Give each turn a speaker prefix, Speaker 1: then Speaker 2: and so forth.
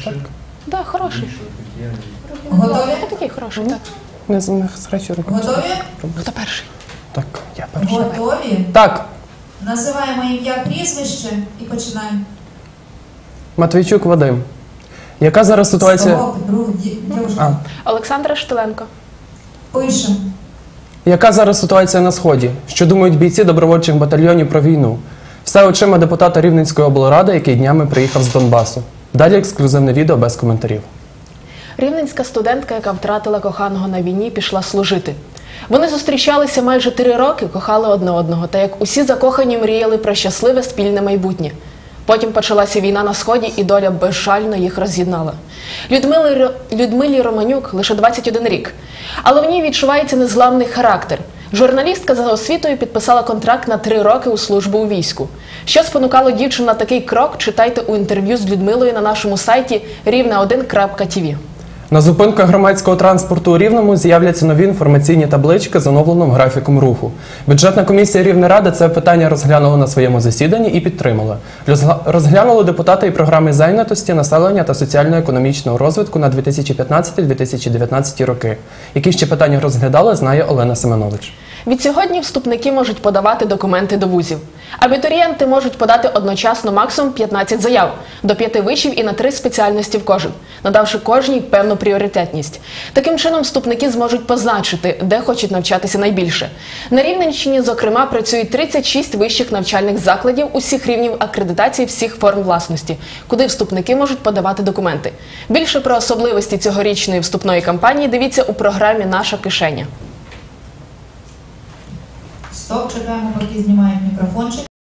Speaker 1: Так, хороший.
Speaker 2: Готові?
Speaker 1: Такий хороший, так.
Speaker 3: Не схрещу руки.
Speaker 2: Готові?
Speaker 1: Хто перший?
Speaker 3: Так, я перший.
Speaker 2: Готові?
Speaker 3: Так,
Speaker 2: Називаємо ім'я, прізвище і починаємо.
Speaker 3: Матвійчук Вадим. Яка зараз ситуація?
Speaker 2: Ставок, друг, дівчинка.
Speaker 1: Олександра Штиленко.
Speaker 2: Пишемо.
Speaker 3: Яка зараз ситуація на Сході? Що думають бійці добровольчих батальйонів про війну? Все очима депутата Рівненської облради, який днями приїхав з Донбасу. Далі ексклюзивне відео без коментарів.
Speaker 1: Рівненська студентка, яка втратила коханого на війні, пішла служити. Вони зустрічалися майже 3 роки, кохали одне одного, та як усі закохані мріяли про щасливе спільне майбутнє. Потім почалася війна на Сході, і доля безжально їх роз'єднала. Людмилі Романюк лише 21 рік, але в ній відчувається незламний характер. Журналістка за освітою підписала контракт на 3 роки у службу у війську. Що спонукало дівчину на такий крок, читайте у інтерв'ю з Людмилою на нашому сайті rivne1.tv.
Speaker 3: На зупинках громадського транспорту у Рівному з'являться нові інформаційні таблички з оновленим графіком руху. Бюджетна комісія Рівнеради це питання розглянула на своєму засіданні і підтримала. Розглянули депутати і програми зайнятості, населення та соціально-економічного розвитку на 2015-2019 роки. Які ще питання розглядали, знає Олена Семенович.
Speaker 1: Відсьогодні вступники можуть подавати документи до вузів. Абітурієнти можуть подати одночасно максимум 15 заяв, до 5 вишів і на 3 спеціальності в кожен, надавши кожній певну пріоритетність. Таким чином, вступники зможуть позначити, де хочуть навчатися найбільше. На Рівненщині, зокрема, працюють 36 вищих навчальних закладів усіх рівнів акредитації всіх форм власності, куди вступники можуть подавати документи. Більше про особливості цьогорічної вступної кампанії дивіться у програмі «Наша кишеня».
Speaker 2: Стоп, чекаємо, поки знімають мікрофончик.